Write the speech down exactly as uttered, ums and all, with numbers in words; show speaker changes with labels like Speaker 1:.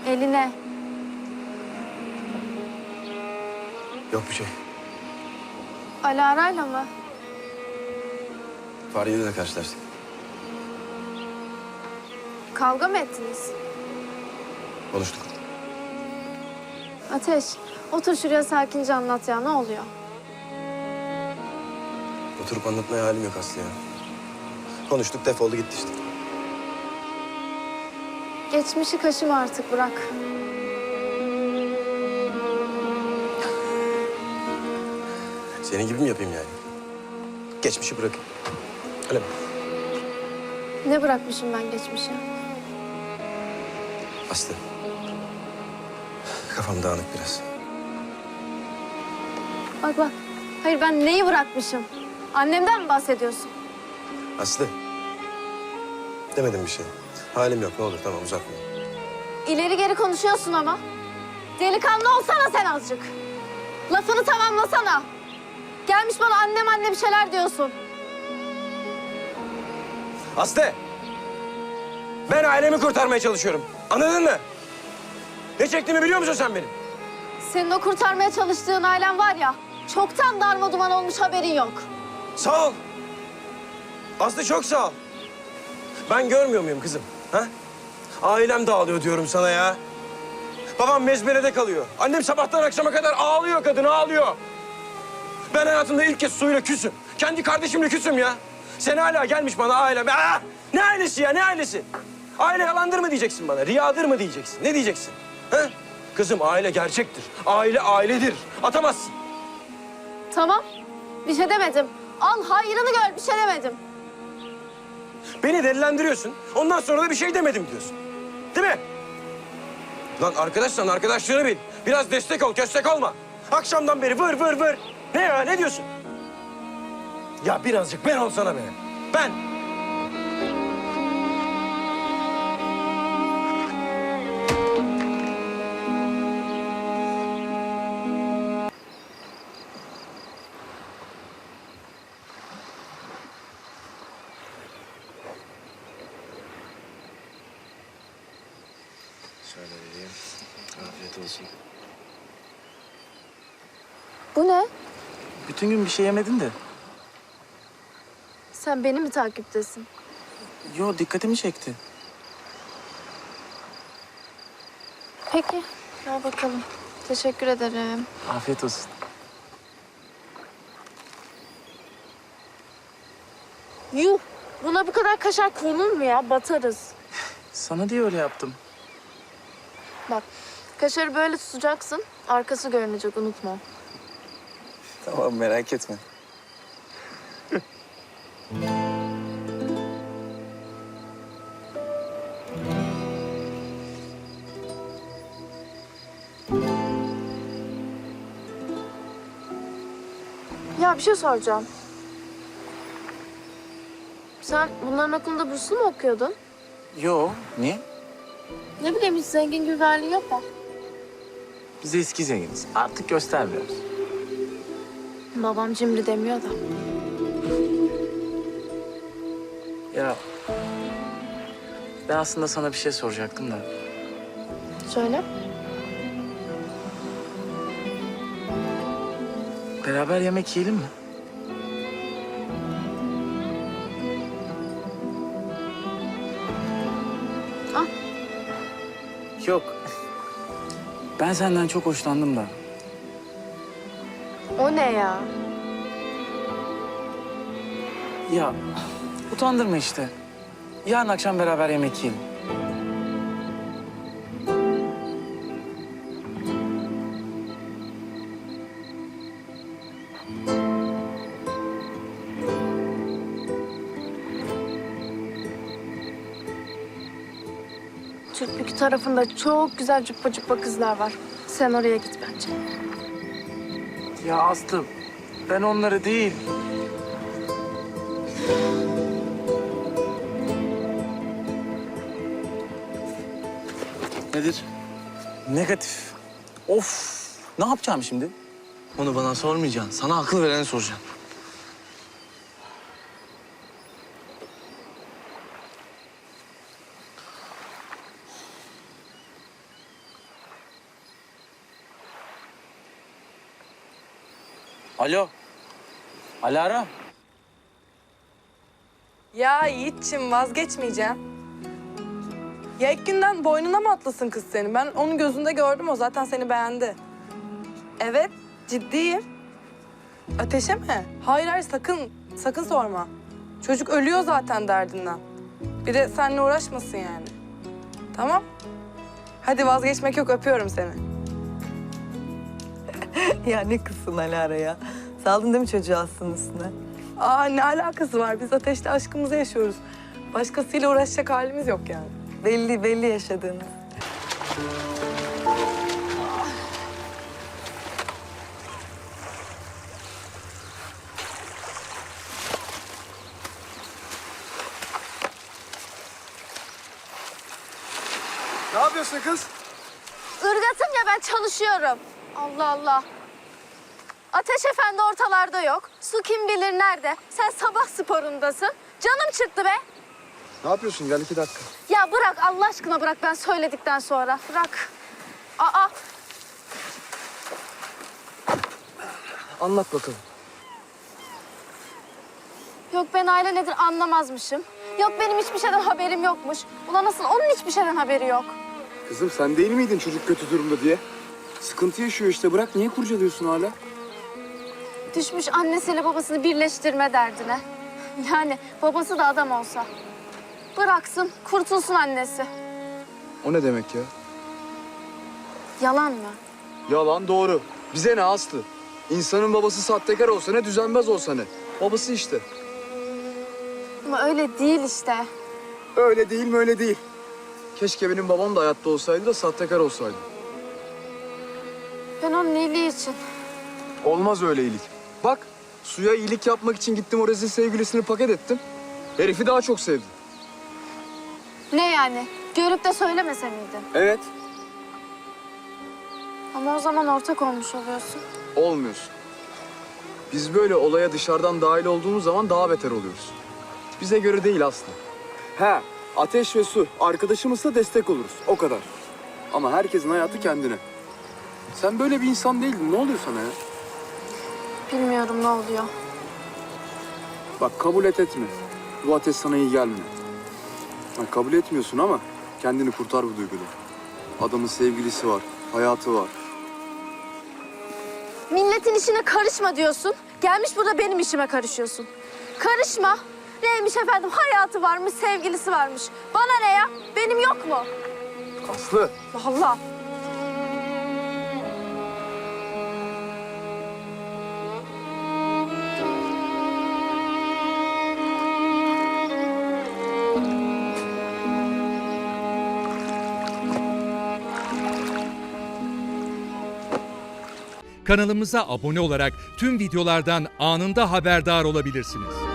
Speaker 1: Eline.
Speaker 2: Yok bir şey.
Speaker 1: Alara'yla mı?
Speaker 2: Fahriye'yle de karşılaştık.
Speaker 1: Kavga mı ettiniz?
Speaker 2: Konuştuk.
Speaker 1: Ateş, otur şuraya sakince anlat ya. Ne oluyor?
Speaker 2: Oturup anlatmaya halim yok Aslı ya. Konuştuk, defoldu gitti işte.
Speaker 1: Geçmişi kaşıma artık, bırak.
Speaker 2: Senin gibi mi yapayım yani? Geçmişi bırakayım. Öyle mi?
Speaker 1: Ne bırakmışım ben geçmişe?
Speaker 2: Aslı. Kafam dağınık biraz.
Speaker 1: Bak bak. Hayır, ben neyi bırakmışım? Annemden mi bahsediyorsun?
Speaker 2: Aslı. Demedim bir şey. Halim yok, ne olur tamam uzatma.
Speaker 1: İleri geri konuşuyorsun ama. Delikanlı olsana sen azıcık. Lafını tamamlasana. Gelmiş bana annem anne bir şeyler diyorsun.
Speaker 2: Aslı! Ben ailemi kurtarmaya çalışıyorum. Anladın mı? Ne çektiğimi biliyor musun sen benim?
Speaker 1: Senin o kurtarmaya çalıştığın ailen var ya, çoktan darmaduman olmuş, haberin yok.
Speaker 2: Sağ ol. Aslı çok sağ ol. Ben görmüyor muyum kızım? Ha? Ailem dağılıyor diyorum sana ya. Babam mezberede kalıyor. Annem sabahtan akşama kadar ağlıyor, kadın ağlıyor. Ben hayatımda ilk kez suyla küsüm. Kendi kardeşimle küsüm ya. Sen hala gelmiş bana ailem. Aa! Ne ailesi ya, ne ailesi? Aile yalandır mı diyeceksin bana, riyadır mı diyeceksin? Ne diyeceksin? Ha? Kızım aile gerçektir. Aile ailedir. Atamazsın.
Speaker 1: Tamam, bir şey demedim. Al hayrını gör, bir şey demedim.
Speaker 2: Beni delilendiriyorsun. Ondan sonra da bir şey demedim diyorsun. Değil mi? Lan arkadaşsan arkadaşlığını bil. Biraz destek ol, köstek olma. Akşamdan beri vır vır vır. Ne ya, ne diyorsun? Ya birazcık ben olsana be. Ben.
Speaker 3: Şöyle vereyim. Afiyet olsun.
Speaker 1: Bu ne?
Speaker 3: Bütün gün bir şey yemedin de.
Speaker 1: Sen beni mi takiptesin?
Speaker 3: Yo, dikkatimi çekti.
Speaker 1: Peki, al bakalım. Teşekkür ederim.
Speaker 3: Afiyet olsun.
Speaker 1: Yuh, buna bu kadar kaşar konur mu ya? Batarız.
Speaker 3: Sana diye öyle yaptım.
Speaker 1: Bak, kaşarı böyle tutacaksın. Arkası görünecek, unutma.
Speaker 3: Tamam, merak etme.
Speaker 1: Ya bir şey soracağım. Sen bunların okulunda burslu mu okuyordun?
Speaker 3: Yo, niye?
Speaker 1: Ne bileyim, hiç zengin gibi bir halin yok mu?
Speaker 3: Biz eski zenginiz. Artık göstermiyoruz.
Speaker 1: Babam cimri demiyor da.
Speaker 3: Ya, ben aslında sana bir şey soracaktım da.
Speaker 1: Söyle.
Speaker 3: Beraber yemek yiyelim mi?
Speaker 1: Al.
Speaker 3: Yok. Ben senden çok hoşlandım da.
Speaker 1: O ne ya?
Speaker 3: Ya, utandırma işte. Yarın akşam beraber yemek yiyelim.
Speaker 1: Türkbükü tarafında çok güzel cüppa cüppa kızlar var. Sen oraya git bence.
Speaker 3: Ya Aslı, ben onları değil. Nedir? Negatif. Of, ne yapacağım şimdi?
Speaker 4: Onu bana sormayacaksın. Sana akıl vereni soracağım.
Speaker 3: Alo. Alara.
Speaker 5: Ya Yiğit'ciğim vazgeçmeyeceğim. Ya ilk günden boynuna mı atlasın kız seni? Ben onun gözünde gördüm, o zaten seni beğendi. Evet, ciddiyim. Ateşe mi? Hayır hayır, sakın, sakın sorma. Çocuk ölüyor zaten derdinden. Bir de seninle uğraşmasın yani. Tamam? Hadi vazgeçmek yok, öpüyorum seni.
Speaker 6: Ya ne kızsın Alara ya. Saldın değil mi çocuğu Aslı'nın üstüne?
Speaker 5: Aa ne alakası var? Biz Ateş'le aşkımızı yaşıyoruz. Başkasıyla uğraşacak halimiz yok yani.
Speaker 6: Belli belli yaşadığınız.
Speaker 2: Ne yapıyorsun kız?
Speaker 1: Irgatım ya, ben çalışıyorum. Allah Allah. Ateş Efendi ortalarda yok. Su kim bilir nerede. Sen sabah sporundasın. Canım çıktı be.
Speaker 7: Ne yapıyorsun? Gel iki dakika.
Speaker 1: Ya bırak Allah aşkına, bırak ben söyledikten sonra. Bırak. Aa.
Speaker 7: Anlat bakalım.
Speaker 1: Yok ben aile nedir anlamazmışım. Yok benim hiçbir şeyden haberim yokmuş. Ulan nasıl onun hiçbir şeyden haberi yok.
Speaker 7: Kızım sen değil miydin çocuk kötü durumda diye? Sıkıntı yaşıyor işte. Bırak niye kurcalıyorsun hala?
Speaker 1: Düşmüş annesiyle babasını birleştirme derdine. Yani babası da adam olsa. Bıraksın, kurtulsun annesi.
Speaker 7: O ne demek ya?
Speaker 1: Yalan mı?
Speaker 7: Yalan doğru. Bize ne Aslı? İnsanın babası sahtekar olsa ne, düzenbaz olsa ne? Babası işte.
Speaker 1: Ama öyle değil işte.
Speaker 7: Öyle değil mi öyle değil. Keşke benim babam da hayatta olsaydı da sahtekar olsaydı.
Speaker 1: Ben onun iyiliği için.
Speaker 7: Olmaz öyle iyilik. Bak Suya iyilik yapmak için gittim, o rezil sevgilisini paket ettim. Herifi daha çok sevdi.
Speaker 1: Ne yani? Görüp de söylemese miydin?
Speaker 7: Evet.
Speaker 1: Ama o zaman ortak olmuş oluyorsun.
Speaker 7: Olmuyorsun. Biz böyle olaya dışarıdan dahil olduğumuz zaman daha beter oluyoruz. Bize göre değil Aslı. He, Ateş ve Su arkadaşımızsa destek oluruz. O kadar. Ama herkesin hayatı kendine. Sen böyle bir insan değildin. Ne oluyor sana ya?
Speaker 1: Bilmiyorum ne oluyor.
Speaker 7: Bak kabul et etme. Bu ateş sana iyi gelmiyor. Bak, kabul etmiyorsun ama kendini kurtar bu duygudan. Adamın sevgilisi var, hayatı var.
Speaker 1: Milletin işine karışma diyorsun. Gelmiş burada benim işime karışıyorsun. Karışma. Neymiş efendim? Hayatı varmış, sevgilisi varmış. Bana ne ya? Benim yok mu?
Speaker 7: Aslı.
Speaker 1: Allah.
Speaker 8: Kanalımıza abone olarak tüm videolardan anında haberdar olabilirsiniz.